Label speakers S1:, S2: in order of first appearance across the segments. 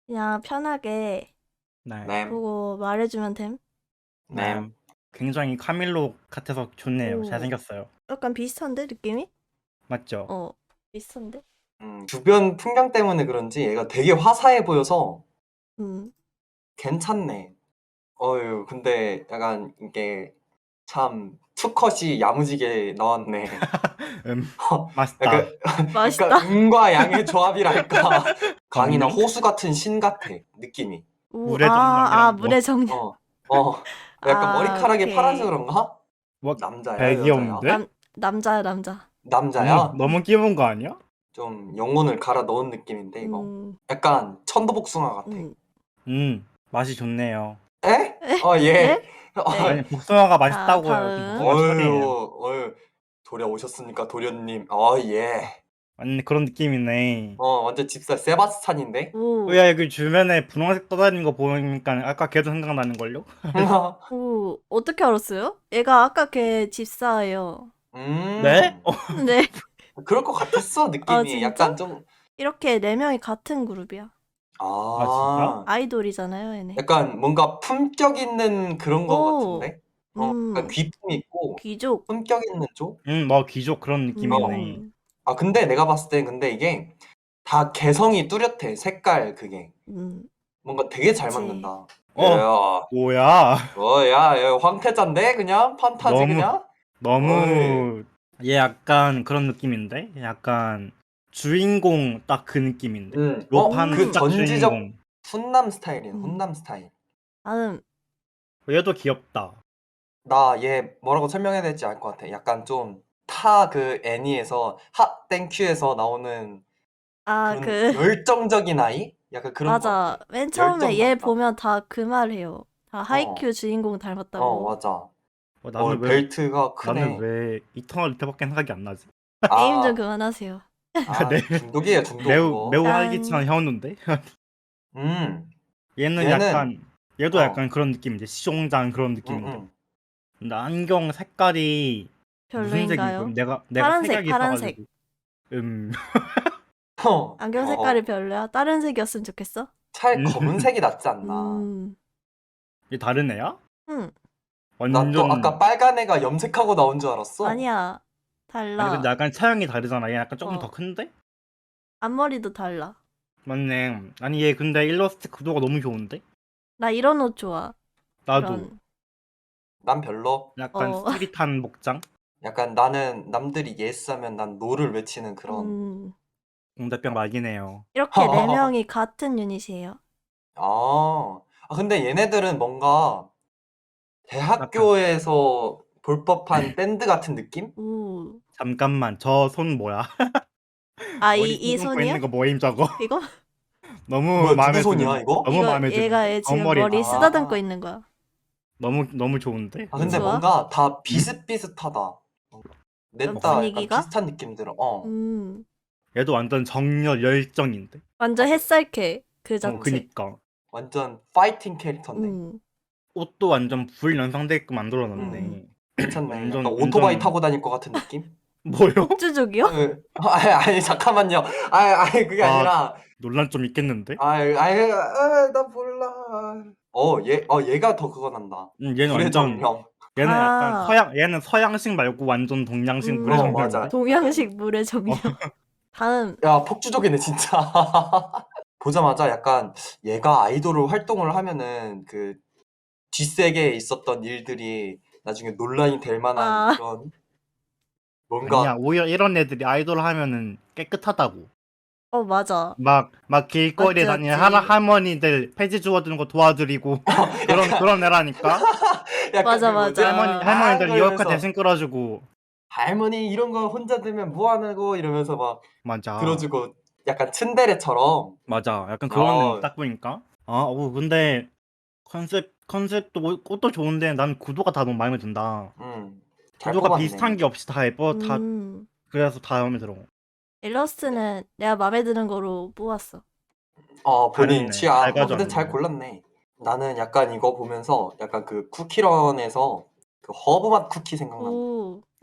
S1: 그냥 편하게
S2: 네.
S3: 램,
S1: 보고 말해주면 됨.
S2: 네.
S3: 램.
S2: 굉장히 카밀로 같아서 좋네요.
S1: 오,
S2: 잘생겼어요.
S1: 약간 비슷한데 느낌이?
S2: 맞죠?
S1: 비슷한데?
S3: 주변 풍경 때문에 그런지 얘가 되게 화사해 보여서
S1: 음,
S3: 괜찮네. 어휴, 근데 약간 이게 참 투컷이 야무지게 나왔네.
S2: 맛있다.
S3: 약간,
S1: 맛있다.
S3: 약간 음과 양의 조합이랄까. 강이나
S2: 정령?
S3: 호수 같은 신 같아, 느낌이.
S1: 오,
S2: 물의 정령이란 뭐?
S1: 물의 정령.
S3: 어, 어. 약간 머리카락이 파란색
S1: 오케이.
S3: 그런가?
S2: 뭐
S3: 남자야,
S2: 되게
S3: 여자야?
S2: 귀여운데?
S1: 남자야, 남자.
S3: 남자야?
S2: 너무 귀여운 거 아니야?
S3: 좀 영혼을 갈아 넣은 느낌인데, 이거.
S1: 음,
S3: 약간 천도복숭아 같아.
S2: 맛이 좋네요.
S3: 에?
S1: 에?
S3: 예.
S1: 에? 에?
S2: 아니 복숭아가
S1: 자,
S2: 맛있다고요. 여기
S1: 다음.
S2: 복숭아 철이에요.
S3: 어휴. 도려 오셨습니까, 도련님. 예.
S2: 아니 그런 느낌이네.
S3: 완전 집사 세바스찬인데?
S1: 오,
S2: 야 여기 주변에 분홍색 떠다니는 거 보니까 아까 걔도 생각나는 걸요?
S1: 오, 어떻게 알았어요? 얘가 아까 걔 집사예요.
S2: 네?
S3: 음.
S1: 네.
S3: 그럴 것 같았어, 느낌이.
S1: 진짜?
S3: 약간 좀,
S1: 이렇게 네 명이 같은 그룹이야.
S2: 아 진짜?
S1: 아이돌이잖아요, 얘네.
S3: 약간 뭔가 품격 있는 그런 거
S1: 오,
S3: 같은데? 약간
S1: 음,
S3: 귀품 있고,
S1: 귀족.
S3: 품격 있는 쪽?
S2: 뭐 귀족 그런 느낌이네.
S1: 음,
S3: 근데 내가 봤을 땐 근데 이게 다 개성이 뚜렷해, 색깔 그게.
S1: 음,
S3: 뭔가 되게 잘
S1: 그치.
S3: 맞는다.
S2: 어
S3: 야,
S2: 뭐야?
S3: 야, 황태자인데? 그냥? 판타지
S2: 너무
S3: 그냥? 어이.
S2: 너무 얘 약간 그런 느낌인데? 약간 주인공 딱 그 느낌인데? 로판
S3: 그
S1: 음,
S2: 딱
S3: 전지적
S2: 주인공.
S3: 훈남 스타일이야,
S1: 음.
S3: 훈남 스타일.
S1: 다음.
S2: 얘도 귀엽다.
S3: 나 얘 뭐라고 설명해야 될지 알 것 같아. 약간 좀 그 애니에서 핫 땡큐에서 나오는 그런 열정적인 아이? 약간 그런 것
S1: 맞아.
S3: 같아.
S1: 맨 처음에
S3: 열정
S1: 얘
S3: 남자.
S1: 보면 다 그 말 해요. 다
S3: 어,
S1: 하이큐 주인공 닮았다고.
S3: 맞아.
S2: 나는 왜
S3: 벨트가
S2: 나는
S3: 크네.
S2: 왜 이터널 리터밖에 생각이 안 나지?
S1: 게임 좀
S3: 아,
S1: 그만하세요.
S2: 내
S3: 중독이에요, 중독
S2: 매우
S3: 그거.
S2: 매우 활기찬
S1: 짠.
S2: 현우인데?
S3: 음,
S2: 얘는
S3: 얘는,
S2: 약간 얘도
S3: 어,
S2: 약간 그런 느낌인데 시종장 그런
S3: 응,
S2: 느낌인데.
S3: 응.
S2: 근데 안경 색깔이 무슨 색이
S1: 별로인가요?
S2: 내가
S1: 파란색,
S2: 색약이
S1: 파란색.
S2: 있어가지고
S1: 안경 색깔이
S3: 어,
S1: 별로야? 다른 색이었으면 좋겠어?
S3: 차라리 검은색이 낫지 않나.
S1: 음,
S2: 얘 다른 애야?
S1: 음,
S3: 나 또 아까
S2: 완전
S3: 빨간 애가 염색하고 나온 줄 알았어.
S1: 아니야.
S2: 아니 근데
S1: 달라.
S2: 약간 차양이 다르잖아. 얘 약간 조금 더
S1: 어,
S2: 큰데?
S1: 앞머리도 달라.
S2: 맞네. 아니 얘 근데 일러스트 구도가 너무 좋은데?
S1: 나 이런 옷 좋아.
S2: 나도
S1: 이런,
S3: 난 별로.
S2: 약간
S1: 어,
S2: 스트릿한 복장?
S3: 약간 나는 남들이 예스 하면 난 노를 외치는 그런.
S1: 음,
S2: 공대병 막이네요.
S1: 이렇게 네 명이 같은 유닛이에요.
S3: 근데 얘네들은 뭔가
S2: 약간
S3: 대학교에서 볼 법한 밴드 같은 느낌?
S1: 우.
S2: 잠깐만 저 손 뭐야? 머리
S1: 이
S2: 쓰듬고
S1: 손이야?
S2: 있는 거 뭐임 저거?
S1: 이거?
S2: 너무
S3: 뭐야, 누구
S2: 마음에
S3: 손이야,
S2: 드는데?
S3: 이거?
S2: 너무
S1: 이거,
S2: 마음에
S1: 얘가
S2: 드는데?
S1: 얘 지금
S2: 겉머리
S1: 머리 쓰다듬고
S3: 아,
S1: 있는 거야.
S2: 너무 좋은데?
S3: 근데
S1: 좋아?
S3: 뭔가 다 비슷비슷하다. 냈다 약간
S1: 분위기가?
S3: 비슷한 느낌 들어.
S1: 음,
S2: 얘도 완전 정열 열정인데?
S1: 완전 햇살캐 그
S3: 음,
S1: 자체.
S2: 그니까
S3: 완전 파이팅 캐릭터인데.
S1: 음,
S2: 옷도 완전 불 연상되게끔
S3: 음,
S2: 만들어놨네.
S3: 괜찮네. 약간 오토바이
S2: 완전
S3: 타고 다닐 것 같은 느낌?
S2: 뭐요?
S1: 폭주족이요?
S3: 아니, 잠깐만요. 그게
S2: 아
S3: 아니라,
S2: 논란 좀 있겠는데?
S3: 나 몰라. 얘가 더 그거 난다.
S2: 얘는
S3: 불의
S2: 완전
S3: 정령.
S2: 얘는 약간
S1: 아,
S2: 얘는 서양식 말고 완전 동양식 물의
S3: 맞아.
S2: 정령인데?
S1: 동양식 물의 정령.
S2: 어,
S1: 다음,
S3: 야, 폭주족이네, 진짜. 보자마자 약간 얘가 아이돌로 활동을 하면은 그 뒷세계에 있었던 일들이 나중에 논란이 될 만한
S1: 아,
S3: 그런
S2: 아니야
S3: 뭔가
S2: 오히려 이런 애들이 아이돌 하면은 깨끗하다고.
S1: 맞아.
S2: 막
S1: 맞지,
S2: 길거리에 다니는
S1: 맞지.
S2: 할머니들 폐지 주워주는 거 도와드리고
S3: 약간
S2: 그런 애라니까.
S3: 약간
S1: 맞아,
S3: 그 뭐지?
S2: 할머니들 리어카
S3: 그러면서
S2: 대신 끌어주고.
S3: 할머니 이런 거 혼자 들면 뭐 하냐고 이러면서 막
S2: 맞아
S3: 들어주고 약간 츤데레처럼.
S2: 맞아 약간 그런 애
S3: 어,
S2: 딱 보니까 근데 컨셉도 옷도 좋은데 난 구도가 다 너무 마음에 든다.
S3: 잘
S2: 구도가 비슷한
S3: 뽑았네.
S2: 게 없이 다 예뻐. 다
S1: 음,
S2: 그래서 다 마음에 들어.
S1: 일러스트는 내가 마음에 드는 거로 뽑았어.
S3: 본인
S2: 잘했네. 잘
S3: 취향. 근데 잘
S2: 가져왔네.
S3: 골랐네. 나는 약간 이거 보면서 약간 그 쿠키런에서 그 허브맛 쿠키 생각난다.
S1: 오,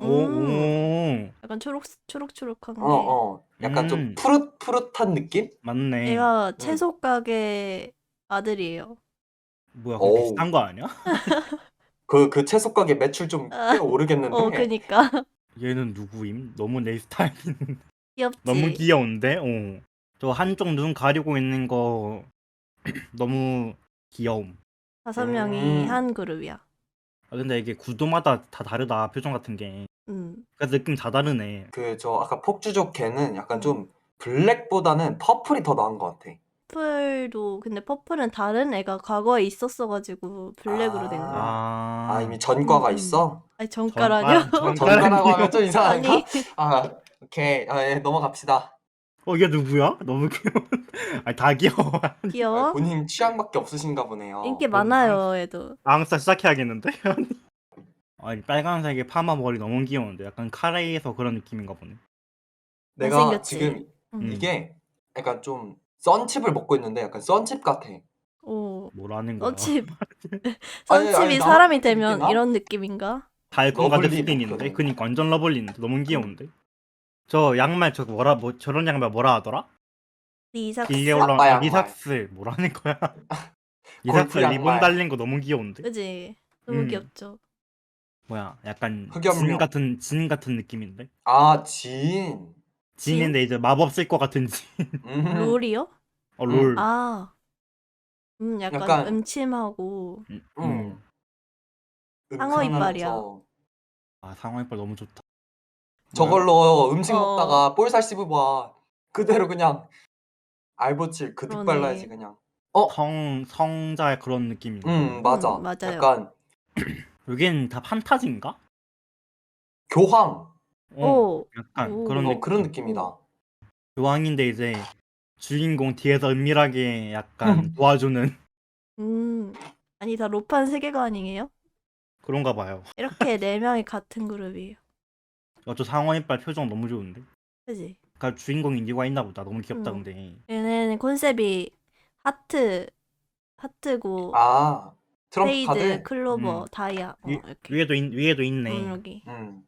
S2: 오,
S1: 음,
S2: 오,
S1: 약간 초록초록한 게.
S3: 약간 좀
S2: 음,
S3: 푸릇푸릇한 느낌?
S2: 맞네.
S1: 얘가
S3: 음.
S1: 채소 가게 아들이에요.
S2: 뭐야, 그거
S3: 어우,
S2: 비싼 거 아니야?
S3: 그 채소 가게 매출 좀 꽤
S1: 아,
S3: 오르겠는데?
S1: 그니까.
S2: 얘는 누구임? 너무 내 스타일. 너무
S1: 귀엽지?
S2: 귀여운데? 저 한쪽 눈 가리고 있는 거 너무 귀여움.
S1: 5명이
S3: 음,
S1: 한 그룹이야.
S2: 아, 근데 이게 구도마다 다 다르다, 표정 같은 게.
S1: 음,
S2: 그래서 느낌 다 다르네.
S3: 저 아까 폭주족 걔는 약간
S1: 음.
S3: 좀 블랙보다는 퍼플이 더 나은 것 같아.
S1: 근데 퍼플은 다른 애가 과거에 있었어가지고 블랙으로 된 거야.
S3: 아, 이미
S2: 아,
S3: 전과가 있어?
S1: 아니, 정가라뇨?
S3: 전과라고
S2: 전가라니요?
S3: 하면 좀 이상한가?
S1: 아니,
S3: 아, 오케이. 예, 넘어갑시다.
S2: 얘 누구야? 너무 귀여워. 아니, 다 귀여워.
S1: 귀여워?
S3: 본인 취향밖에 없으신가 보네요.
S1: 인기
S2: 그럼
S1: 많아요, 얘도.
S2: 앙싸 시작해야겠는데? 아니, 빨간색의 파마 머리 너무 귀여운데. 약간 카레에서 그런 느낌인가 보네.
S3: 내가
S1: 잘생겼지?
S3: 지금
S1: 응.
S2: 음,
S3: 이게 약간 좀 썬칩을 먹고 있는데 약간 썬칩 같아.
S1: 오,
S2: 뭐라는 거야.
S1: 선칩.
S3: 아니,
S1: 선칩이
S3: 나만
S1: 사람이
S3: 그렇게
S1: 되면
S3: 느끼나?
S1: 이런 느낌인가?
S2: 달콤 가득
S3: 러블리
S2: 스킨인데?
S3: 마크네.
S2: 그니까 완전 러블리인데? 너무 귀여운데? 저 양말 저런 양말 뭐라 하더라? 길게
S1: 리삭스?
S2: 올라온
S3: 아빠 양말.
S2: 리삭스 뭐라는 거야? 리삭스
S3: 골프
S2: 리본
S3: 양말.
S2: 달린 거 너무 귀여운데?
S1: 그지? 너무
S2: 음
S1: 귀엽죠?
S2: 뭐야 약간
S3: 흑염룡.
S2: 진 같은 느낌인데?
S3: 아, 지인.
S1: 진?
S2: 진인데 이제 마법 쓸 것 같은 진.
S3: 음,
S1: 롤이요?
S3: 음.
S2: 롤.
S1: 아, 약간
S3: 약간,
S1: 음침하고
S2: 음,
S3: 음,
S2: 음.
S1: 상어 이빨이야.
S3: 음산하면서
S2: 아 상황이빨 너무 좋다. 뭐야?
S3: 저걸로 음식
S1: 어,
S3: 먹다가 볼살 씹어봐. 그대로 그냥 알보칠 그득 발라야지
S1: 그러네.
S3: 그냥.
S2: 성자의 그런 느낌인가 보네.
S3: 맞아.
S1: 맞아요.
S3: 약간
S2: 여긴 다 판타지인가?
S3: 교황.
S2: 어
S1: 오,
S2: 약간 그런
S1: 오,
S3: 그런
S2: 느낌.
S1: 오.
S3: 느낌이다.
S2: 교황인데 이제 주인공 뒤에서 은밀하게 약간 도와주는
S1: 아니, 다 로판 세계관이에요?
S2: 그런가 봐요.
S1: 이렇게 4명이 같은 그룹이에요.
S2: 저 상어이빨 표정 너무 좋은데?
S1: 그지?
S2: 그니까 주인공 인디가 있나 보다. 너무 귀엽다
S1: 음.
S2: 근데.
S1: 얘네는 컨셉이 하트, 하트고,
S3: 아, 트럼프
S1: 스페이드,
S3: 카드?
S1: 클로버,
S2: 음
S1: 다이아, 이렇게.
S2: 위에도 있네.
S1: 여기.
S3: 음.